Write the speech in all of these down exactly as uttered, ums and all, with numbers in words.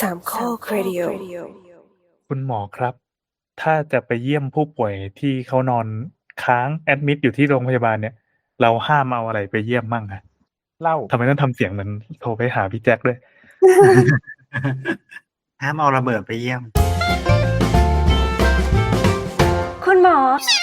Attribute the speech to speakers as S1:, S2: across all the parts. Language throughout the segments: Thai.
S1: สามข้อครดิโอ
S2: คุณหมอครับ ถ้าจะไปเยี่ยมผู้ป่วยที่เขานอนค้างแอดมิดอยู่ที่โรงพยาบาลเนี่ย เราห้ามเอาอะไรไปเยี่ยมมั่งอะ?
S3: เหล้า
S2: ทำไมต้องทำเสียงเหมือนโทรไปหาพี่แจ็คด้วย?
S4: ห้ามเอาระเบิดไปเยี่ยม
S5: คุณหมอ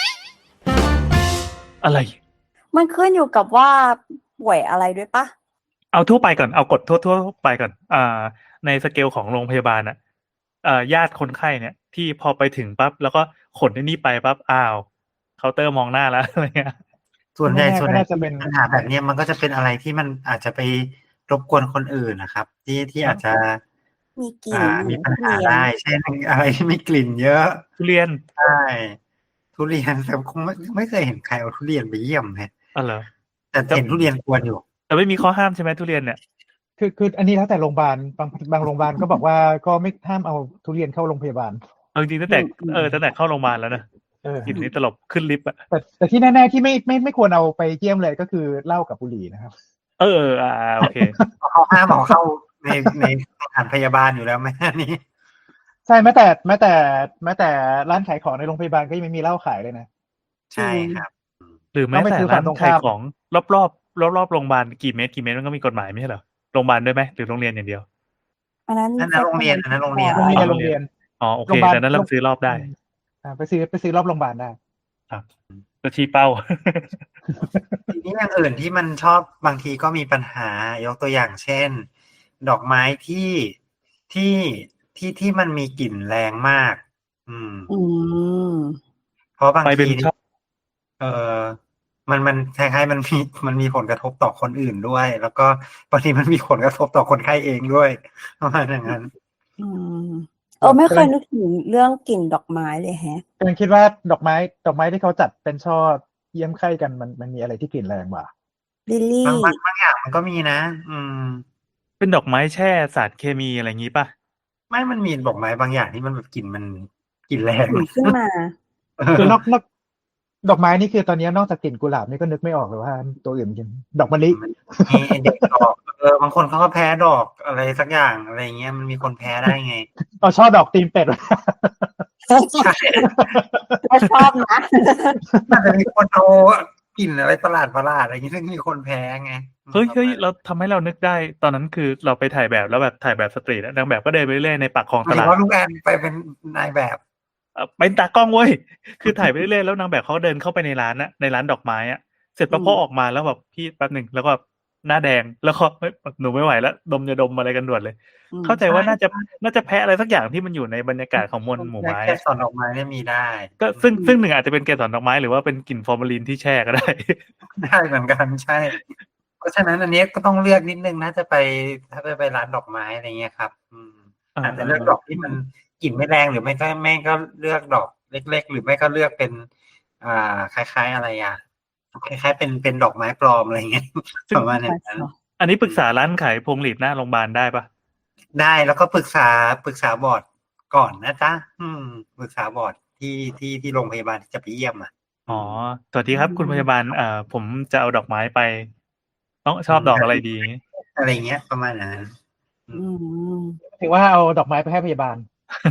S2: อะไร?
S5: มันขึ้นอยู่กับว่าป่วยอะไรด้วยเปล่า?
S2: เอาทั่วไปก่อน เอากฎทั่ว ๆ ไปก่อน อ่า ในสเกลของโรงพยาบาลน่ะ เอ่อ ญาติคนไข้เนี่ย ที่พอไปถึงปั๊บ แล้วก็ขนไอ้นี่ไปปั๊บ อ้าว เคาน์เตอร์มองหน้าแล้ว อะไรเงี้ย
S4: ส่วนใหญ่ ส่วนใหญ่
S3: จะเป็น
S4: ปัญหาแบบเนี้ย มันก็จะเป็นอะไรที่มันอาจจะไปรบกวนคนอื่นน่ะครับ ที่ ที่อาจจะ
S5: มีกลิ
S4: อ่
S5: น
S4: า มีปัญหา
S5: ทุเรียน
S4: ได้ เช่น อะไรที่มีกลิ่นเยอะ
S2: ทุเรียน
S4: ใช่ ทุเรียน แต่คงไม่ ไม่เคยเห็นใครเอาทุเรียนไปเยี่ยมแฮะ
S2: อ้าว เหรอ?
S4: แต่เห็นทุเรียนกวนอยู่
S2: แต่ไม่มีข้อห้ามใช่ไหมทุเรียนเนี่ย?
S3: คือ คืออันนี้แล้วแต่โรงบาล บาง บางโรงบาลก็บอกว่า ก็ไม่ ห้ามเอาทุเรียนเข้าโรงพยาบาล
S2: เอาจริง ๆ ตั้งแต่ เออ ตั้งแต่เข้าโรงบาลแล้วนะ
S3: เออ
S2: กลิ่นนี่ตลบ ขึ้นลิฟต์อะ
S3: แต่ แต่ที่แน่ ๆ ที่ไม่ ไม่ ไม่ควรเอาไปเยี่ยมเลย ก็คือเหล้ากับบุหรี่นะครับ
S2: เออ ๆ อา ๆ โอเค
S4: เขาห้ามเอาเข้าใน ในสถานพยาบาลอยู่แล้วไหม อันนี้?
S3: ใช่ แม้แต่ แม้แต่ แม้แต่ร้านขายของในโรงพยาบาลก็ยังไม่มีเหล้าขายเลยนะ
S4: ใช่ครับ
S2: หรือแม
S3: ต้อ้งไป
S2: แต่
S3: ซื้อ
S2: ร้า
S3: ฝั่
S2: น
S3: งตรง
S2: ขาย
S3: ข้าม
S2: ของรอบ ๆ รอบ ๆ โรงบาลกี่เมตร กี่เมตร มันก็มีกฎหมายไม่ใช่เหรอ? โรงบาลด้วยไหม หรือโรงเรียนอย่างเดียว?
S5: อันนั้น
S4: อันนั้นโรงเรียน อันนั้นโรงเรียน
S3: โรงเรียน โรงเรียน
S2: อ๋อ โอ
S3: โร
S2: เค
S3: งบาล
S2: ดังนั้นเราซื้อรอบได้
S3: อ่า ไปซื้อ ไปซื้อรอบโรงบาลได้
S2: ครับ ก็ชี้เป้า
S4: ทีนี้อย่างอื่นที่มันชอบ บางทีก็มีปัญหา ยกตัวอย่างเช่น ดอกไม้ที่ ที่ ที่ ที่มันมีกลิ่นแรงมาก อืม
S5: อืม
S4: เพราะบาง
S2: ไปเป็
S4: ที
S2: น ช่อ
S4: เอ่อ มัน มันคล้าย ๆ มัน มี มันมีผลกระทบต่อคนอื่นด้วย แล้วก็บางทีมันมีผลกระทบต่อคนไข้เองด้วย ประมาณอย่างงั้น
S5: อืม เออ ไม่เคยนึกถึงเรื่องกลิ่นดอกไม้เลยแฮะ
S3: กำลังคิดว่าดอกไม้ ดอกไม้ที่เขาจัดเป็นช่อเยี่ยมไข้กัน มัน มันมีอะไรที่กลิ่นแรงกว่า?
S5: ลิลลี
S4: บาง บาง บางอย่างมันก็มีนะ อืม
S2: เป็นดอกไม้แช่สารเคมี อะไรงี้เปล่า?
S4: ไม่ มันมีดอกไม้บางอย่างที่มันแบบกลิ่นมัน กลิ่น แรง
S5: ผุ่ขึ้นมา
S3: คือนอก นอก ดอกไม้นี่คือตอนนี้นอกจากกลิ่นกุหลาบนี่ก็นึกไม่ออกเลยว่าตัวอื่นกิน ดอกมะลิ
S4: มีไอ้เด็กดอก เออ บางคนเขาก็แพ้ดอกอะไรสักอย่าง อะไรอย่างเงี้ย มันมีคนแพ้ได้ไง
S3: อ๋อ ช่อดอกตีนเป็ด
S4: ใช่
S5: ก็ชอบนะ
S4: มันจะมีคนเอากลิ่นอะไรประหลาด ๆ อะไรอย่างงี้ ซึ่งมีคนแพ้ไง
S2: เฮ้ย เฮ้ย เรา ทำให้เรานึกได้ ตอนนั้นคือเราไปถ่ายแบบ แล้วแบบถ่ายแบบสตรีตอะ นางแบบก็เดินไปเรื่อย ๆ ในปากคลอง
S4: หม
S2: ต
S4: ายถึ
S2: ลาง ด
S4: ว่าลูกแอนไปเป็นนายแบบ
S2: เอ่อ เป็นตากล้องเว้ย คือถ่ายไปเรื่อย ๆ แล้วนางแบบเขาก็เดินเข้าไปในร้านน่ะ ในร้านดอกไม้อะ เสร็จปั๊บ
S5: อืม
S2: เขาออกมาแล้วแบบ "พี่แป๊บหนึ่ง" แล้วก็แบบหน้าแดง แล้วก็ "เฮ้ย หนูไม่ไหวแล้ว ดมยาดมอะไรกันด่วนเลย"
S5: อืม
S2: เข้าใจว่าน่าจะ น่าจะแพ้อะไรสักอย่างที่มันอยู่ในบรรยากาศของมวลหมู่
S4: แค่
S2: ไม้
S4: แค่สอนดอกไม้เนี่ยมีได้
S2: ก็ซึ่ง ซึ่งหนึ่งอาจจะเป็นเกสรดอกไม้ หรือว่าเป็นกลิ่นฟอร์มาลินที่แช่ก็ ได้
S4: ได้เหมือนกัน ใช่ เพราะฉะนั้นอันนี้ก็ต้องเลือกนิดหนึ่ง ถ้าจะไป ถ้าจะไปร้านดอกไม้ อะไรเงี้ยครับ อืม
S2: อา
S4: อาจจะเลือกดอกที่มันกลิ่นไม่แรง หรือไม่ก็ ไม่ก็เลือกดอกเล็ก ๆ หรือไม่ก็เลือกเป็น อ่า คล้าย ๆ อะไรอะ คล้าย ๆ เป็น เป็นดอกไม้ปลอม อะไรอย่างเงี้ย
S2: ซึ่
S4: ป
S2: ง
S4: ระมาณอย่างนั้น
S2: อันนี้ปรึกษาร้านขายพวงหรีดหน้าโรงบาลได้เปล่า?
S4: ได้ แล้วก็ปรึกษา ปรึกษาบอร์ดก่อนนะจ๊ะ อืม ปรึกษาบอร์ดที่ ที่ ที่โรงพยาบาลที่จะไปเยี่ยมอะ
S2: อ๋อ สวัสดีครับคุณพยาบาล อ่า ผมจะเอาดอกไม้ไป ต้อง ชอบดอกอะไรดี?
S4: อะไรอย่างเงี้ย ประมาณอย่างนั้น อื
S5: อื
S4: ม
S5: ม
S3: ถือว่าเอาดอกไม้ไปให้พยาบาล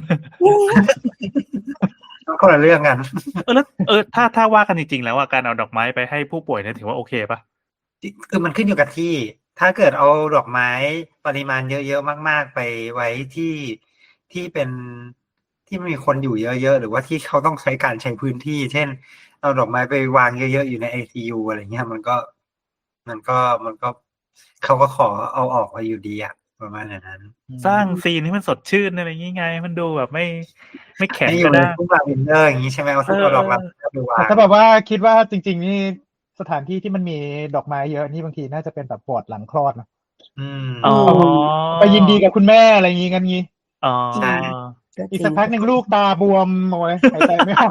S4: ก็คนละเรื่องกัน
S2: เออ แล้ว เออ ถ้า ถ้าว่ากันจริง ๆ แล้วอะ การเอาดอกไม้ไปให้ผู้ป่วยเนี่ยถือว่าโอเคเปล่า?
S4: จิ คือมันขึ้นอยู่กับที่ ถ้าเกิดเอาดอกไม้ปริมาณเยอะ ๆ มาก ๆ ไปไว้ที่ ที่เป็น ที่มีคนอยู่เยอะ ๆ หรือว่าที่เขาต้องใช้การใช้พื้นที่ เช่น เอาดอกไม้ไปวางเยอะ ๆ อยู่ในไอซียู อะไรอย่างเงี้ย มันก็ มันก็ มันก็ เขาก็ขอเอาออกมาอยู่ดีอะ ประมาณอย่างนั้น
S2: สร้างซีนให้มันสดชื่น อะไรงี้ไง มันดูแบบไม่ ไม่แข็
S4: ให
S2: ง้
S4: อย
S2: กระ
S4: ู่ใน
S2: ด้าง
S4: ทุ่งลาเวนเดอร์ อย่างงี้ใช่ไหม? เอา
S2: เอ
S4: เอาดอกลา
S2: อ ๆ
S4: เวนเดอร์ไปวา
S3: แต่
S4: ง
S3: ถ้าแบบว่าคิดว่าจริง ๆ นี่สถานที่ที่มันมีดอกไม้เยอะนี่บางทีน่าจะเป็นแบบวอร์ดหลังคลอดนะ
S4: อืม
S2: อ๋อ
S3: ไปยินดีกับคุณแม่ อะไรงี้ งั้นงี้
S2: อ๋อ
S4: ใช่
S3: อีกสักพักหนึ่งลูกตาบวม โอ๊ย หายใจไม่ออก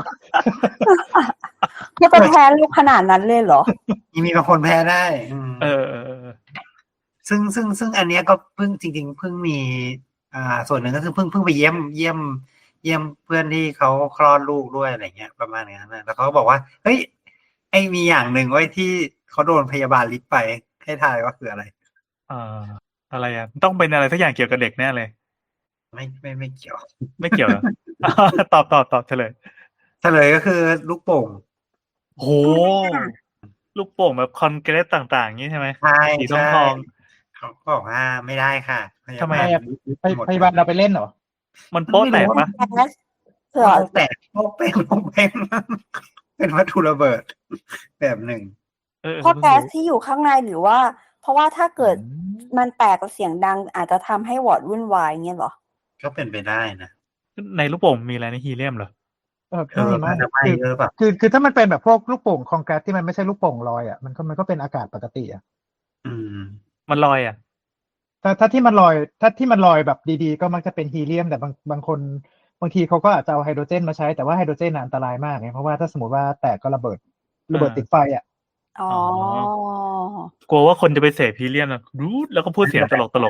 S5: จะไปแพ้ลูกขนาดนั้นเลยเหรอ?
S4: มี มีบางคนแพ้ได้ อืม
S2: เออ ๆ ๆ
S4: ซึ่ง ซึ่ง ซึ่งอันเนี้ยก็เพิ่ง จริง ๆ เพิ่งมี อ่า ส่วนหนึ่งก็คือเพิ่ง เพิ่งไปเยี่ยม เยี่ยม เยี่ยมเพื่อนที่เขาคลอดลูกด้วย อะไรอย่างเงี้ย ประมาณอย่างนั้นน่ะ แล้วเขาก็บอกว่า "เฮ้ย ไอ้มีอย่างหนึ่งเว้ยที่เขาโดนพยาบาลริบไป" ให้ทายว่าคืออะไร?
S2: อ่า อะไรอะ ต้องเป็นอะไรสักอย่างเกี่ยวกับเด็กแน่เลย
S4: อืไม่ไม่ไม่เกี่ยว
S2: ไม่เกี่ยวเหรอ ตอบตอบตอบเฉลย
S4: เฉลยก็คือลูกโป่ง
S2: โหลูกโป่งแบบคอนเกรสต่างๆอย่างนี้ใช่ไหม
S4: ใช่
S2: สีทอง
S4: ใช่
S2: ทอง
S4: เขาบอกว่าไม่ได้ค่ะพยา
S2: ทำไม
S4: บาล
S2: อะ
S4: ยึด
S3: พย
S4: หมด
S3: พยาบาลเราไปเล่นเหรอ
S2: มันโป๊ะแตกปะ
S5: แก๊สเผื่อ
S4: โป๊ะแตกโป๊ะเป็นโป๊ะเป็น เป็นวัตถุระเบิด แบบหนึ่ง
S2: เออ
S5: เพราะ
S2: เพิ่ง
S5: แก๊ส
S2: รู้
S5: ที่อยู่ข้างในหรือว่า เพราะว่าถ้าเกิด
S3: อืม
S5: มันแตกกับเสียงดัง อาจจะทำให้วอร์ดวุ่นวายเงี้ยเหรอ
S4: ก็เป็นไปได้นะ
S2: ในลูกโป่งมีอะไรในฮีเลียมเหรอ
S3: เออ
S4: เออ
S3: ไม่
S4: น่าจะไม่
S3: คือ
S4: เยอะแบบ
S3: คือคือถ้ามันเป็นแบบพวกลูกโป่งคอนแกรสที่มันไม่ใช่ลูกโป่งลอยอ่ะมันก็มันก็เป็นอากาศปกติอ่ะ
S4: อืม
S2: มันลอยอ่ะ
S3: ถ้าถ้าที่มันลอยถ้าที่มันลอยแบบดีๆ ก็มักจะเป็นฮีเลียมแต่บางบางคนบางทีเขาก็อาจจะเอาไฮโดรเจนมาใช้แต่ว่าไฮโดรเจนน่ะอันตรายมากไงเพราะว่าถ้าสมมติว่าแตกก็ระเบิดระเบิด
S2: อ่า
S3: ติดไฟอ่ะ
S5: อ๋อ
S2: กลัวว่าคนจะไปเสพฮีเลียมนะรูดแล้วก็พูดเสียงตลกตลก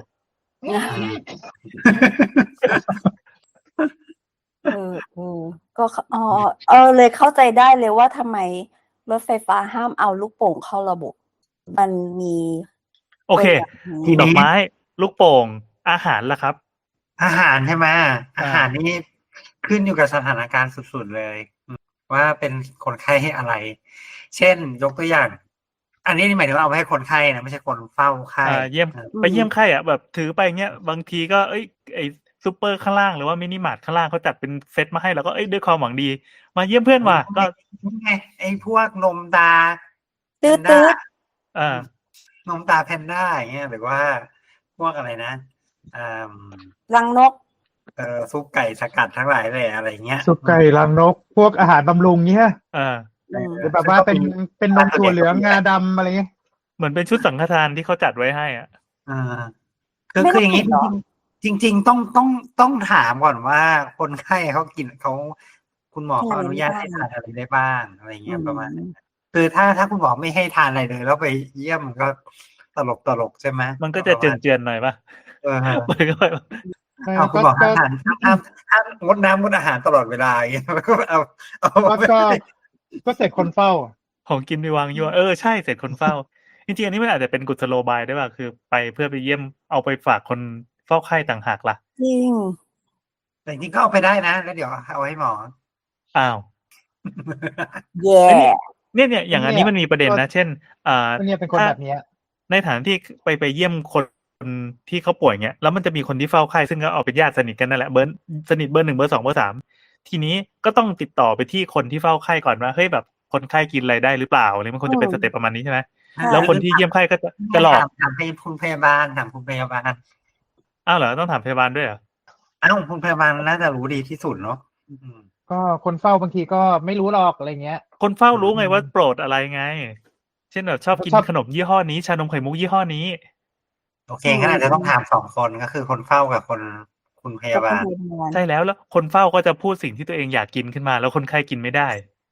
S5: เออเออก็เข้าอ๋อเออเลยเข้าใจได้เลยว่าทำไมรถไฟฟ้าห้ามเอาลูกโป่งเข้าระบบ มันมี
S2: โอเค
S5: ตัวอย่างนี้
S4: ทีนี้
S2: ดอกไม้ ลูกโป่ง อาหารล่ะครับ
S4: อาหารใช่ไหม
S2: อ่า
S4: อาหารนี่ขึ้นอยู่กับสถานการณ์สุดๆเลยอืมว่าเป็นคนไข้ให้อะไร เช่นยกตัวอย่าง อันนี้หมายถึงว่าเอาไว้ให้คนไข้นะไม่ใช่คนเฝ้าไข้
S2: อ่าเยี่ยม
S4: อ่า
S2: ไปเยี่ยมไข้อ่ะแบบถือไปเงี้ยบางทีก็เอ้ยไอซูเปอร์ข้างล่างหรือว่ามินิมาร์ทข้างล่างเขาจัดเป็นเซตมาให้แล้วก็เอ้ยด้วยความหวังดี มาเยี่ยมเพื่อนว่ะก็
S4: นี่ไงไอ้พวกนมตา
S5: ตืด
S4: แพนด้า
S5: ตืด
S2: อ่า
S4: นมตาแพนด้าอย่างเงี้ยหรือว่าพวกอะไรนะอ่า
S5: รังนก
S4: เอ่อซุปไก่สกัดทั้งหลายเลยอะไรเงี้ย
S3: ซุปไก่รังนก พวกอาหารบำรุงเงี้ย
S2: อ่า
S5: อืม
S3: หรือแบบว่าเป็นเป็นนมถั่วเหลืองงาดำอะไรเงี้ย
S2: เหมือนเป็นชุดสังฆทานที่เขาจัดไว้ให้อ่ะ
S4: อ่าคือ
S5: ไม่
S4: คือ
S5: ต้
S4: อ
S5: อง
S4: ย่างนี้
S5: กินเหรอ
S4: จริงๆจริง ๆ ต้องต้องต้องถามก่อนว่าคนไข้เขากินเขาคุณหมอเขาอนุญาตให้ทานอะไรได้บ้างอะไรเงี้ยประมาณนั้นคือถ้าถ้าคุณหมอไม่ให้ทานอะไรเลย แล้วไปเยี่ยมมันก็ตลกตลกใช่ไหม
S2: มันก็จะเจือนๆหน่อยป่ะ
S4: เออ
S2: มันก็แบบ
S4: เอาคุณหมอห้ามทานห้ามห้ามห้ามงดน้ำงดอาหารตลอดเวลาอย่างเงี้ยมันก็เอาเอา
S3: ก็ก็ก็เสร็จคนเฝ้า
S2: ของกินไปวางยั่วเออใช่เสร็จคนเฝ้า จริงๆอันนี้มันอาจจะเป็นกุศโลบายด้วยป่ะคือไปเพื่อไปเยี่ยมเอาไปฝากคนเฝ้าไข้ต่างหากล่ะ
S5: จริง
S4: แต่จริงๆก็เอาไปได้นะแล้วเดี๋ยวเอาให้หมอ
S2: อ้าว
S5: แย่
S2: เนี่ยเนี่ยอย่างอันนี้มันมีประเด็นนะ เช่นอ่า
S3: ก็เนี่ยเป็นคนแบบเนี้ย
S2: ในฐานที่ไปไปเยี่ยมคนที่เขาป่วยเงี้ยแล้วมันจะมีคนที่เฝ้าไข้ซึ่งก็เอาเป็นญาติสนิทกันนั่นแหละเบอร์สนิทเบอร์หนึ่งเบอร์สองเบอร์สามทีนี้ก็ต้องติดต่อไปที่คนที่เฝ้าไข้ก่อนว่าเฮ้ยแบบคนไข้กินอะไรได้หรือเปล่าอะไรมันควรจะเป็นสเต็ปประมาณนี้ใช่ไหม
S5: ใช่
S2: แล้วคนที่เยี่ยมไข้ก็จะจะหลอก
S4: ถามถามให้คุณพยาบาลถามคุณพยาบาล
S2: อ้าวเหรอต้องถามพยาบาลด้วยเหรอ
S4: อ้าวคุณพยาบาลน่าจะรู้ดีที่สุดเนาะอืม
S3: ก็คนเฝ้าบางทีก็ไม่รู้หรอกอะไรเงี้ย
S2: คนเฝ้ารู้ไงว่าโปรดอะไรไง เช่นแบบชอบกิน
S3: ชอบ
S2: ขนมยี่ห้อนี้ชานมไข่มุกยี่ห้อนี้
S4: โอเคงั้นอาจจะต้องถามสองคนก็คือคนเฝ้ากับคนคุณพยาบาล
S2: ใช่แล้วแล้วคนเฝ้าก็จะพูดสิ่งที่ตัวเองอยากกินขึ้นมา แล้วคนไข้กินไม่ได้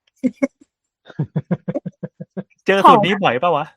S2: เจอสูตรนี้บ่อยปะวะ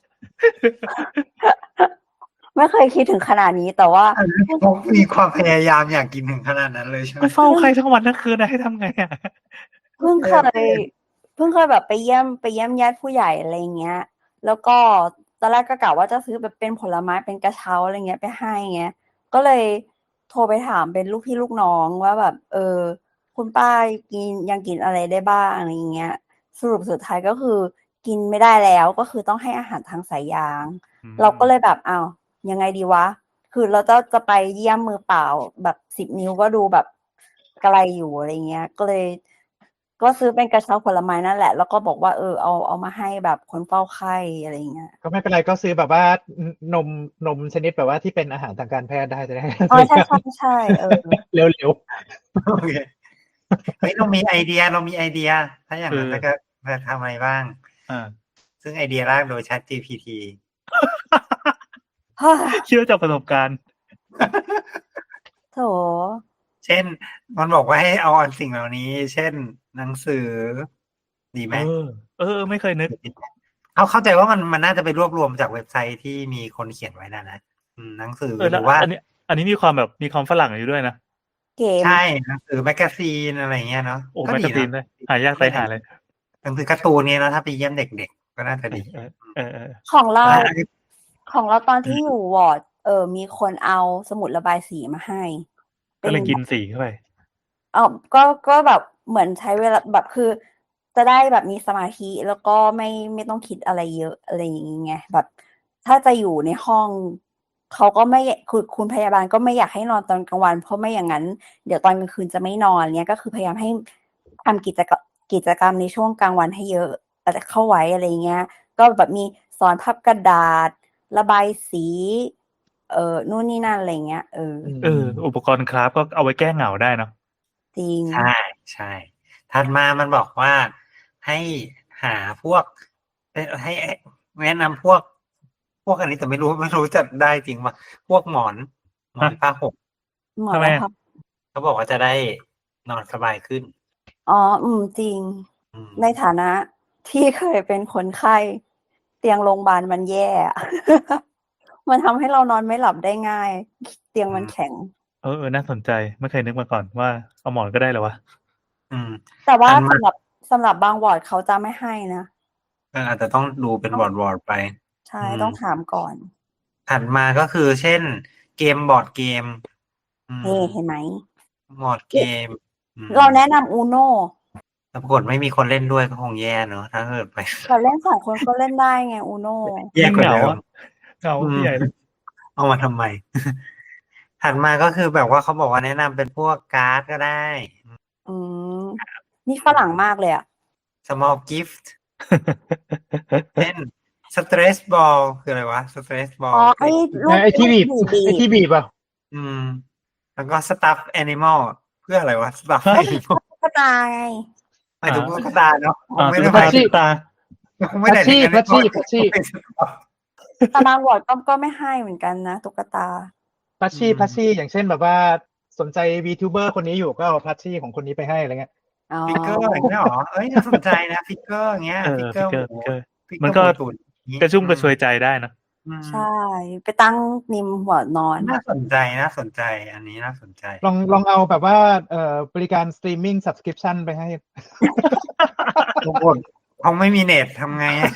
S5: ไม่เคยคิดถึงขนาดนี้แต่ว่า
S4: เขามีความพยายามอยากกินถึงขนาดนั้นเลยใช่ไหม
S2: ก็เฝ้าไข้ทั้งวันทั้งคืนนะให้ทำไงอ่ะ
S5: เพิ่งเคยเพิ่งเคยแบบไปเยี่ยมไปเยี่ยมญาติผู้ใหญ่อะไรเงี้ย แล้วก็ตอนแรกก็กะว่าจะซื้อแบบเป็นผลไม้เป็นกระเช้าอะไรเงี้ยไปให้เงี้ย ก็เลยโทรไปถามเป็นลูกพี่ลูกน้องว่าแบบ เออ คุณป้ากินยังกินอะไรได้บ้างอะไรเงี้ย สรุปสุดท้ายก็คือกินไม่ได้แล้วก็คือต้องให้อาหารทางสายยาง
S2: อืม
S5: เราก็เลยแบบอ้าวยังไงดีวะ คือเราจะจะไปเยี่ยมมือเปล่าแบบสิบนิ้วก็ดูแบบไกลอยู่อะไรเงี้ย ก็เลย ก็ซื้อเป็นกระเช้าผลไม้นั่นแหละ แล้วก็บอกว่าเออเอาเอามาให้แบบคนเฝ้าไข้อะไรเงี้ย
S3: ก็ไม่เป็นไรก็ซื้อแบบว่านมนมชนิดแบบว่าที่เป็นอาหารทางการแพทย์ได้จะได้
S5: อ๋อใช่ใช่ใช่เออ
S3: เร็ว
S4: โอเคเฮ้ยเรามีไอเดียเรามีไอเดีย ถ้าอย่างนั้น
S2: คือ
S4: แล้วก็จะทำอะไรบ้าง
S2: อ่า
S4: ซึ่งไอเดียแรกโดย Chat จี พี ที
S5: เฮ้ย
S2: เชื่อจากประสบการณ์
S5: โถ
S4: เช่น มันบอกว่าให้เอาอันสิ่งเหล่านี้ เช่น หนังสือ ดีไหม
S2: เออ เออ ไม่เคยนึก
S4: เขาเข้าใจว่ามันมันน่าจะไปรวบรวมจากเว็บไซต์ที่มีคนเขียนไว้นะนะอืมหนังสือ
S2: เออ
S4: ห
S2: แล้ว
S4: รือว่า
S2: อันนี้ อันนี้มีความแบบมีความฝรั่งอยู่ด้วยนะ
S5: เก๋ม
S4: ใช่หนังสือแมกกาซีนอะไรเงี้ยเนาะ
S2: โอ้
S4: ก็
S2: แมก
S4: ดี
S2: กาซีน
S4: นะ
S2: ด้วยหายากตายหาเลย
S4: หนังสือการ์ตูนเนี่ยเนาะถ้าไปเยี่ยมเด็กๆก็น่าจะดี
S2: เออเออเออ
S5: ของเรา
S4: อ่า
S5: ของเราตอนที่อยู่วอร์ด เออ มีคนเอาสมุดระบายสีมาให้
S2: ก็เลยกินสีเข้าไป
S5: เอาก็ก็แบบเหมือนใช้เวลาแบบคือ จะได้แบบมีสมาธิแล้วก็ไม่ไม่ต้องคิดอะไรเยอะอะไรอย่างเงี้ยแบบ ถ้าจะอยู่ในห้องเขาก็ไม่คุณคุณพยาบาลก็ไม่อยากให้นอนตอนกลางวัน เพราะไม่อย่างนั้น เดี๋ยวตอนกลางคืนจะไม่นอนเนี้ยก็คือพยายามให้ทำกิจกรรมกิจกรรมในช่วงกลางวันให้เยอะแต่เข้าไว้อะไรเงี้ย ก็แบบมีสอนพับกระดาษ ระบายสี เอ่อนู่นนี่นั่นอะไรเงี้ยเออ
S2: เออ อุปกรณ์คราฟก็เอาไว้แก้เหงาได้เนาะ
S5: จริง
S4: ใช่ใช่ถัดมามันบอกว่าให้หาพวกเอ่อให้แนะนำพวก พวกอันนี้แต่ไม่รู้ไม่รู้จะได้จริงป่ะพวกหมอนหมอน
S2: ฮะ
S4: ผ้าห่ม
S5: หมอ
S2: ทำไม
S5: แล้ว
S2: อะ
S5: ครับ
S4: เขาบอกว่าจะได้นอนสบายขึ้น
S5: อ๋อ อืม จริง
S4: อืม
S5: ในฐานะที่เคยเป็นคนไข้ เตียงโรงพยาบาลมันแย่ อะ มันทำให้เรานอนไม่หลับได้ง่าย เตียงมันแข็ง
S2: เออเออน่าสนใจไม่เคยนึกมาก่อนว่าเอาหมอนก็ได้เหรอวะ
S4: อืม
S5: แต่ว่า
S4: ถัดมา
S5: สำหรับสำหรับบางวอร์ดเขาจะไม่ให้นะ
S4: เอออาจจะต้องดูเป็นวอร์ดวอร์ดไป
S5: ใช่
S4: อืม
S5: ต้องถามก่อน
S4: ถัดมาก็คือ เช่น เกมบอร์ดเกม อืม
S5: นี่เห็นไหม
S4: บอร์ดเกม อืม
S5: เราแนะนำ Uno
S4: แต่ปรากฏไม่มีคนเล่นด้วยก็คงแย่เนอะถ้าเกิดไป
S5: แต่เล่นสองคนก็เล่นได้ไง Uno
S4: แย่กว่าเดิ
S2: ยิ่งเหงา
S4: ม
S2: อะ เหงา
S4: อืม
S2: ใหญ่เลย
S4: เอามาทำไม ถัดมาก็คือแบบว่าเขาบอกว่าแนะนำเป็นพวกการ์ดก็ได้
S5: อืม นี่ฝรั่งมากเลยอะ
S4: small gift เช่น stress ball คืออะไรวะ stress
S5: อ๋
S4: ball
S5: อ ไอ้ลูก
S3: ไอ้ที่บีบ
S5: ลูกบีบ
S3: ไอ้ที่บีบอ่ะ
S4: อืม แล้วก็ stuff animal เพื่ออะไรวะ stuff
S2: ฮะ
S4: animal
S5: ตุ๊กตาไง
S4: หมายถึงตุ๊กตาเนาะค
S2: อ่าง
S4: ไม่
S2: ตุ๊
S4: ได้
S2: ก
S4: ห
S2: ตา
S4: มายถึ
S2: ตุ๊
S4: ง
S2: กตา
S4: คงไม่ได้ถึง
S3: พัชชี่
S4: animal
S3: พัชชี่
S5: แต่บางวอร์ดก็ก็ไม่ให้เหมือนกันนะตุ๊กตา
S3: พัชชี่
S4: อืม
S3: พัชชี่อย่างเช่นแบบว่าสนใจ VTuber คนนี้อยู่ก็เอาพัชชี่ของคนนี้ไปให้อะไรเงี้ย
S5: อ๋อ
S4: ฟิกเกอร์อย่างเงี้ยหรอ เอ้ยน่าสนใจนะฟิกเกอร์อย่างเงี้ย
S2: เออ
S4: ฟิกเกอ
S2: ฟิ
S4: ร์
S2: ก
S4: ห
S2: เกอร์
S4: มู
S2: ฟิกเกอร์
S4: ฟิกเกอร์
S2: มันก็
S4: หมูตุ๋นอย่างงี้
S2: กระชุ่มกระชวยใจได้นะ
S4: อืม
S5: ใช่ ไปตั้งริมหัวนอน
S4: น่าสนใจน่าสนใจ อันนี้น่าสนใจ
S3: ลองลองเอาแบบว่าเอ่อบริการ streaming subscription ไปให้
S4: ทุกคนเขาไม่มีเน็ตทำไงอะ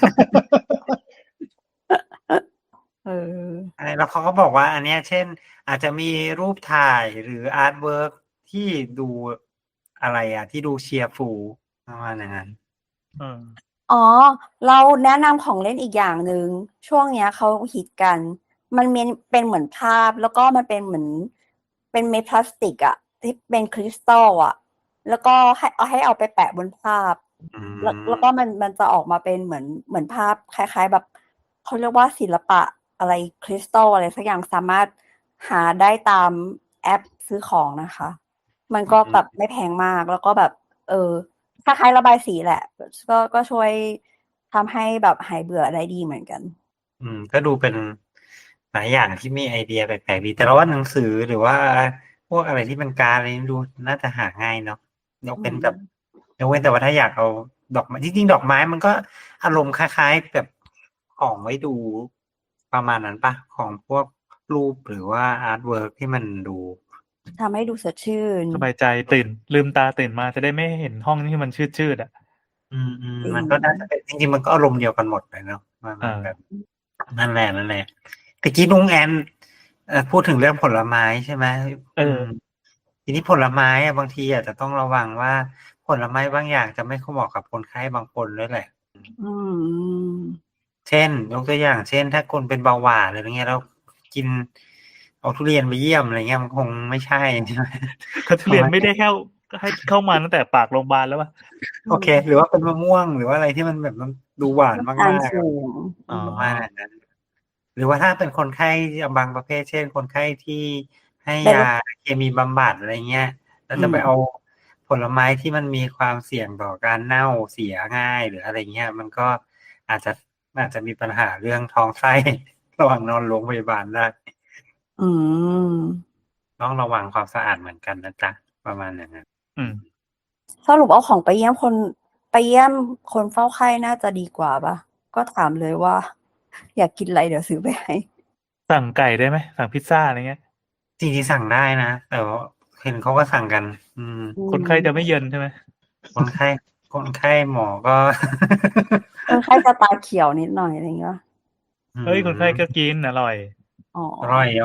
S5: เออ
S4: อะไรแล้วเขาก็บอกว่า อันเนี้ย เช่น อาจจะมีรูปถ่ายหรืออาร์ตเวิร์กที่ดูอะไรอะที่ดูเชียร์ฟูลประมาณอย่างนั้น
S2: อืม
S5: อ๋อ เราแนะนำของเล่นอีกอย่างหนึ่งช่วงเนี้ยเขาฮิตกัน มันมีเป็นเหมือนภาพ แล้วก็มันเป็นเหมือน เป็นเม็ดพลาสติกอะที่เป็นคริสตัลอะแล้วก็ให้เอาให้เอาไปแปะบนภาพ
S4: อืม
S5: แล้วแล้วก็มันมันจะออกมาเป็นเหมือนเหมือนภาพคล้าย ๆ แบบเขาเรียกว่าศิลปะอะไรคริสตัลอะไรสักอย่างสามารถหาได้ตามแอปซื้อของนะคะ มันก็แบบไม่แพงมากแล้วก็แบบ เออคล้ายๆระบายสีแหละ ก็ก็ช่วยทำให้แบบหายเบื่อได้ดีเหมือนกัน
S4: อืม ก็ดูเป็นหลายอย่างที่มีไอเดียแปลกๆดี แต่เราว่าหนังสือหรือว่าพวกอะไรที่เป็นการ์ดอะไรนี่ดูน่าจะหาง่ายเนาะยกเป็นแบบยกเว้นแต่ว่าถ้าอยากเอาดอกไม้จริงๆดอกไม้มันก็อารมณ์คล้ายๆแบบของไว้ดูประมาณนั้นปะของพวกรูปหรือว่าอาร์ตเวิร์กที่มันดู
S5: ทำให้ดูสดชื่น
S2: สบายใจตื่น ลืมตาตื่นมาจะได้ไม่เห็นห้องที่มันชืดๆอ่ะ
S4: อืมอืม
S5: จริง
S4: มันก็น่าจะเป็นจริงๆมันก็อารมณ์เดียวกันหมดเลยเนาะมันมัน
S2: อ่า
S4: แบบ นั่นแหละนั่นแหละตะกี้นุ้งแอนเอ่อพูดถึงเรื่องผลไม้ใช่ไหม
S2: เออ
S4: มทีนี้ผลไม้อะบางทีอาจจะต้องระวังว่าผลไม้บางอย่างจะไม่เหมาะกับคนไข้บางคนด้วยแหละ
S5: อืม
S4: เช่นยกตัวอย่าง เช่น ถ้าคนเป็นเบาหวานอะไรเงี้ยแล้วกินเอาทุเรียนไปเยี่ยมอะไรเงี้ยมันคงไม่ใช่ใช่ไหม
S2: เขาทุเรียนไม่ได้เข้าให้เข้ามาตั้งแต่ปากโรงพยาบาลแล้วป่ะ
S4: โอเค หรือว่าเป็นมะม่วงหรือว่าอะไรที่มันแบบมันดูหวานมาก
S5: อ่าน
S4: ๆ
S5: สูง
S2: อ๋อ
S4: ประมาณนั้น หรือว่าถ้าเป็นคนไข้บางประเภท เช่น คนไข้ที่ให้ยาเคมีบำบัดอะไรเงี้ยแล้วจะไปเอาผลไม้ที่มันมีความเสี่ยงต่อการเน่าเสียง่ายหรืออะไรเงี้ยมันก็อาจจะอาจจะมีปัญหาเรื่องท้องไส้ ระหว่างนอนโรงพยาบาลได้
S5: อืม
S4: ต้องระวังความสะอาดเหมือนกันนะจ๊ะประมาณอย่างนั้น
S2: อืม
S5: สรุปเอาของไปเยี่ยมคนไปเยี่ยมคนเฝ้าไข้น่าจะดีกว่าปะก็ถามเลยว่า อยากกินอะไรเดี๋ยวซื้อไปให้
S2: สั่งไก่ได้ไหมสั่งพิซซ่าอะไรเงี้ย
S4: จริงๆสั่งได้นะแต่ว่าเห็นเขาก็สั่งกัน อืม
S2: คนไข้จะไม่เย็นใช่ไหม
S4: คนไข้คนไข้หมอก็
S5: คนไข้จะตาเขียวนิดหน่อยอะไรเงี้ย
S2: เฮ้ยคนไข้ก็กินอร่อย
S5: อ๋อ
S4: อร่อยยอก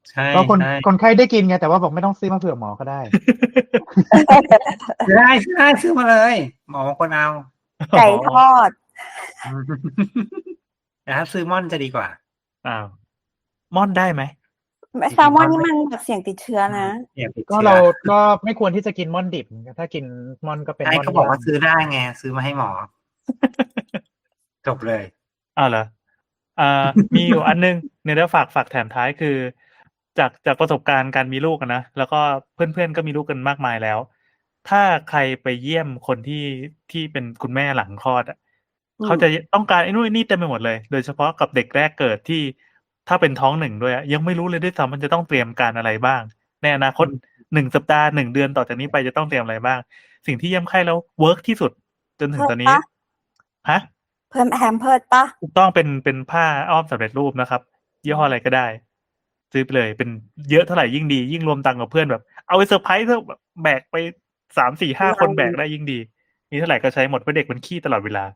S4: ใช่
S3: ก็คน
S4: ใช่
S3: คนไข้ได้กินไงแต่ว่าบอกไม่ต้องซื้อมาเผื่อหมอก็ได้
S4: ซื้อได้ซื้อได้ซื้อมาเลย หมอบางคนเอา
S5: ไก่ทอด
S4: แต่ถ้าซื้อม่อนจะดีกว่า
S2: อ้าวม่อนได้ไหม
S5: แซลมอนนี่มันแบบเสี่ยงติดเชื้อนะ
S4: เนี่ยติด
S3: ก็
S4: เชื้อ
S3: เราก็ไม่ควรที่จะกินม่อนดิบ ถ้ากินม่อนก็เป็น
S4: ใช่
S3: ม่อน
S4: เขาบอกว่า
S3: ย่ง
S4: ซื้อได้ไง ซื้อมาให้หมอ จบเลย
S2: อ้าวเหรออ่า มีอยู่อันนึงเนี่ยเดี๋ยวฝากฝากแถมท้ายคือ จากจากประสบการณ์การมีลูกอะนะแล้วก็เพื่อนๆก็มีลูกกันมากมายแล้ว ถ้าใครไปเยี่ยมคนที่ที่เป็นคุณแม่หลังคลอดอ่ะ
S5: อืม
S2: เขาจะต้องการไอ้นู่นไอ้นี่เต็มไปหมดเลย โดยเฉพาะกับเด็กแรกเกิดที่ถ้าเป็นท้องหนึ่งด้วยอะยังไม่รู้เลยด้วยซ้ำมันจะต้องเตรียมการอะไรบ้าง ในอนาคตหนึ่งสัปดาห์หนึ่งเดือนต่อจากนี้ไปจะต้องเตรียมอะไรบ้าง สิ่งที่เยี่ยมไข้แล้วเวิร์กที่สุดจนถึงตอนนี้
S5: เพิ่มปะ
S2: ฮะ
S5: เพิ่มแฮมเพิร์ดปะ
S2: ถูกต้องเป็นเป็นผ้าอ้อมสำเร็จรูปนะครับยี่ห้ออะไรก็ได้ ซื้อไปเลยเป็นเยอะเท่าไหร่ยิ่งดี ยิ่งรวมตังค์กับเพื่อนแบบ เอาไปเซอร์ไพรส์เถอะแบบแบกไปสามสี่ห้าคนแบกได้ยิ่งดี มีเท่าไหร่ก็ใช้หมดเพราะเด็กมันขี้ตลอดเวลา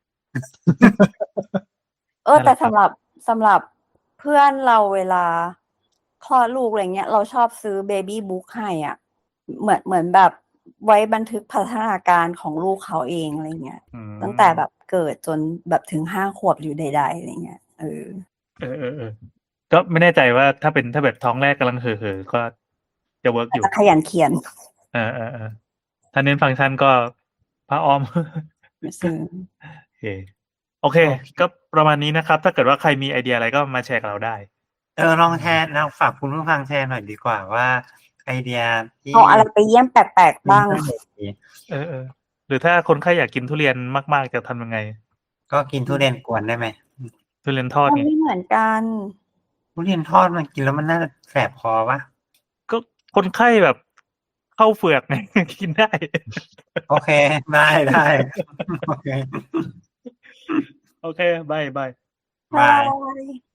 S5: เออ
S2: นั่นแห
S5: แต่
S2: ละครับ
S5: สำหรับสำหรับเพื่อนเราเวลาคลอดลูกอะไรเงี้ย เราชอบซื้อเบบี้บุ๊กให้อ่ะ เหมือนเหมือนแบบไว้บันทึกพัฒนาการของลูกเขาเองอะไรเงี้ย
S2: อืม
S5: ตั้งแต่แบบเกิดจนแบบถึงห้าขวบหรือใดๆอะไรเงี้ยเออ
S2: เออเออเออก็ไม่แน่ใจว่าถ้าเป็นถ้าแบบท้องแรกกำลังเห่อเห่อก็จะเวิร์กอยู่
S5: จะขยันเขียน
S2: เออเออเออถ้าเน้นฟังก์ชันก็ผ้าอ้อม
S5: ซื้อ
S2: โอเค โอเค ก็ประมาณนี้นะครับ ถ้าเกิดว่าใครมีไอเดียอะไรก็มาแชร์กับเราได้
S4: เออลองแชร์เราฝากคุณผู้ฟังแชร์หน่อยดีกว่าว่า ไอเดียที่
S5: เอาอะไรไปเยี่ยมแปลกๆบ้าง
S2: เออเออหรือถ้าคนไข้อยากกินทุเรียนมากๆจะทำยังไง
S4: ก็กินทุเรียนกวนได้ไหม
S2: ทุเรียนทอด
S5: มัน
S2: ไง
S5: ไม่เหมือนกัน
S4: ทุเรียนทอดมันกินแล้วมันน่าจะแสบคอปะ
S2: ก็คนไข้แบบเข้าเฟือกไง กินได้
S4: โอเค ได้ได้ โอเค
S2: โอเคบายบาย
S4: บาย
S5: Bye.